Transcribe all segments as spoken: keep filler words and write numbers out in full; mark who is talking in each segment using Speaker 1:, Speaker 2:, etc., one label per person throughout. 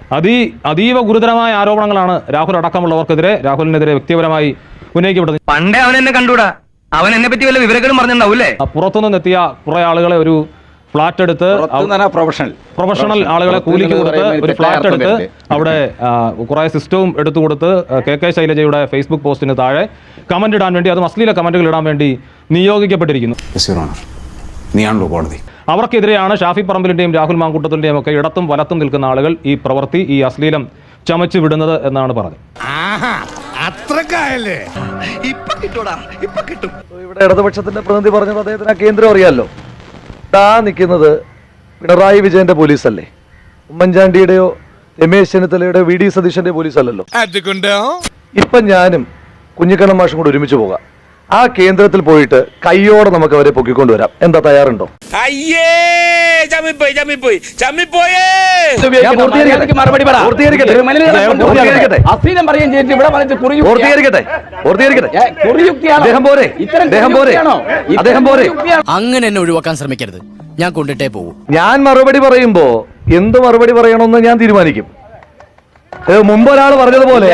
Speaker 1: അതി അതീവ ഗുരുതരമായ ആരോപണങ്ങളാണ് രാഹുൽ അടക്കമുള്ളവർക്കെതിരെ രാഹുലിനെതിരെ വ്യക്തിപരമായി ഉന്നയിക്കപ്പെടുന്നത്.
Speaker 2: പണ്ടേ അവൻ എന്നെ കണ്ടൂടാ, അവൻ എന്നെ പറ്റി വല്ല വിവരങ്ങളും പറഞ്ഞിട്ടുണ്ടാവൂലേ?
Speaker 1: പുറത്തുനിന്നെത്തിയ കുറെ ആളുകളെ ഒരു ഫ്ലാറ്റ് എടുത്ത്
Speaker 3: പ്രൊഫഷണൽ
Speaker 1: പ്രൊഫഷണൽ ആളുകളെ കൂലിക്ക് കൊടുത്ത് ഒരു ഫ്ലാറ്റ് എടുത്ത് അവിടെ കുറെ സിസ്റ്റവും എടുത്തു കൊടുത്ത് കെ കെ ശൈലജയുടെ ഫേസ്ബുക്ക് പോസ്റ്റിന് താഴെ കമന്റ് ഇടാൻ വേണ്ടി, അത് അശ്ലീല കമന്റുകൾ ഇടാൻ വേണ്ടി നിയോഗിക്കപ്പെട്ടിരിക്കുന്നു. അവർക്കെതിരെയാണ് ഷാഫി പറമ്പിലിന്റെയും രാഹുൽ മാങ്കൂട്ടത്തിന്റെയും ഒക്കെ ഇടത്തും വലത്തും നിൽക്കുന്ന ആളുകൾ ഈ പ്രവൃത്തി, ഈ അശ്ലീലം ചമച്ചു വിടുന്നത് എന്നാണ് പറഞ്ഞത്.
Speaker 4: ഇവിടെ ഇടതുപക്ഷത്തിന്റെ പ്രതിനിധി പറഞ്ഞത് അദ്ദേഹത്തിന് ആ കേന്ദ്രം അറിയാമല്ലോ. താ നിൽക്കുന്നത് പിണറായി വിജയന്റെ പോലീസല്ലേ, ഉമ്മൻചാണ്ടിയുടെയോ രമേശ് ചെന്നിത്തലയുടെയോ വി ഡി സതീശന്റെ പോലീസ് അല്ലല്ലോ. ഇപ്പൊ ഞാനും കുഞ്ഞിക്കണ്ണൻ മാഷും കൂടെ ഒരുമിച്ച് പോകാം. ആ കേന്ദ്രത്തിൽ പോയിട്ട് കയ്യോടെ നമുക്ക് അവരെ പൊക്കിക്കൊണ്ടുവരാം. എന്താ, തയ്യാറുണ്ടോ?
Speaker 5: അങ്ങനെ എന്നെ ഒഴിവാക്കാൻ ശ്രമിക്കരുത്, ഞാൻ കൊണ്ടിട്ടേ പോകും.
Speaker 4: ഞാൻ മറുപടി പറയുമ്പോ എന്ത് മറുപടി പറയണമെന്ന് ഞാൻ തീരുമാനിക്കും. മുമ്പ് ഒരാൾ പറഞ്ഞതുപോലെ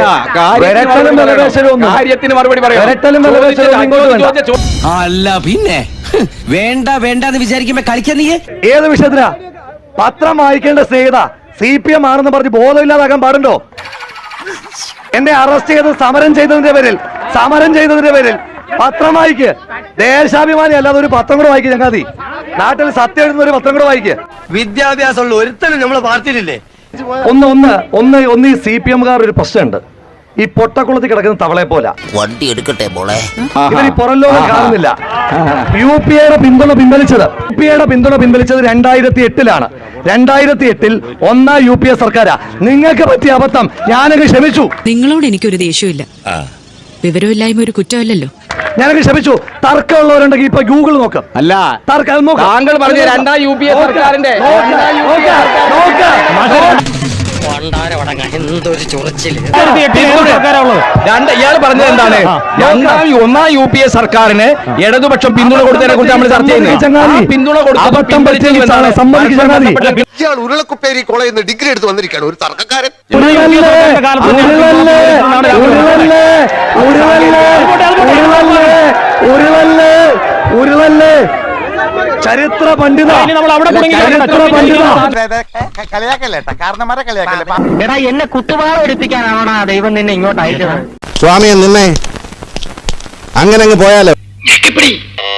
Speaker 5: അല്ല പിന്നെ വേണ്ട വേണ്ട എന്ന് വിചാരിക്കുമ്പോ കളിക്കാൻ നീ
Speaker 4: ഏത് വിഷയത്തിനാ? പത്രം വായിക്കേണ്ട സ്നേഹിത സി പി എം ആണെന്ന് പറഞ്ഞ് ബോധമില്ലാതാക്കാൻ പാടുണ്ടോ? എന്നെ അറസ്റ്റ് ചെയ്ത് സമരം ചെയ്തതിന്റെ പേരിൽ സമരം ചെയ്തതിന്റെ പേരിൽ പത്രം വായിക്ക്. ദേശാഭിമാനി അല്ലാതെ ഒരു പത്രം കൂടെ വായിക്കുക. ചങ്ങാതി, നാട്ടിൽ സത്യം എഴുതുന്ന ഒരു പത്രം കൂടെ വായിക്കുക.
Speaker 2: വിദ്യാഭ്യാസമുള്ള ഒരുത്തനും നമ്മളെ പാർട്ടിയിലില്ലേ?
Speaker 4: ഒന്ന് ഒന്ന് ഒന്ന് ഒന്ന് ഈ സി പി എംകാർ ഒരു പ്രശ്നമുണ്ട്. ഈ പൊട്ടക്കുളത്തിൽ കിടക്കുന്ന തവളെ പോലെ
Speaker 5: വണ്ടി എടുക്കട്ടെ മോളെ.
Speaker 4: ഇവർ ഈ പുറം ലോകം കാണുന്നില്ല. യു പി എയുടെ പിന്തുണ പിൻവലിച്ചത് യു പി എയുടെ പിന്തുണ പിൻവലിച്ചത് രണ്ടായിരത്തി എട്ടിലാണ്. രണ്ടായിരത്തി എട്ടിൽ ഒന്നാം യു പി എ സർക്കാരാ. നിങ്ങൾക്ക് പറ്റിയ അബദ്ധം ഞാനങ്ങ് ക്ഷമിച്ചു.
Speaker 6: നിങ്ങളോട് എനിക്കൊരു ദേഷ്യമില്ല, വിവരമില്ലായ്മ ഒരു കുറ്റമല്ലല്ലോ.
Speaker 4: ഞാനൊക്കെ ക്ഷമിച്ചു. തർക്കമുള്ളവരുണ്ടെങ്കിൽ ഇപ്പൊ ഗൂഗിൾ നോക്കാം.
Speaker 3: അല്ല,
Speaker 4: തർക്കം
Speaker 3: താങ്കൾ പറഞ്ഞ രണ്ടാം യു പി എ സർക്കാരിന്റെ ഇയാൾ പറഞ്ഞത് എന്താണ്? രണ്ടാം ഒന്നാം യു പി എ സർക്കാരിന് ഇടതുപക്ഷം പിന്തുണ കൊടുത്തതിനെ കുറിച്ച് നമ്മൾ ചർച്ച ചെയ്യുന്നത്. പിന്തുണ
Speaker 7: ഇയാൾ ഉരുളക്കുപ്പേരി കോളേജിൽ നിന്ന് ഡിഗ്രി എടുത്ത് വന്നിരിക്കുകയാണ്. ഒരു തർക്കക്കാരൻ.
Speaker 4: ചരിത്ര പണ്ഡിത
Speaker 2: എടാ, എന്നെ കുത്തുവാള എടുപ്പിക്കാനാണോടാ ദൈവം നിന്നെ ഇങ്ങോട്ട് അയച്ചത്?
Speaker 8: സ്വാമിയെ നിന്നെ അങ്ങനെ അങ്ങ് പോയാലോ.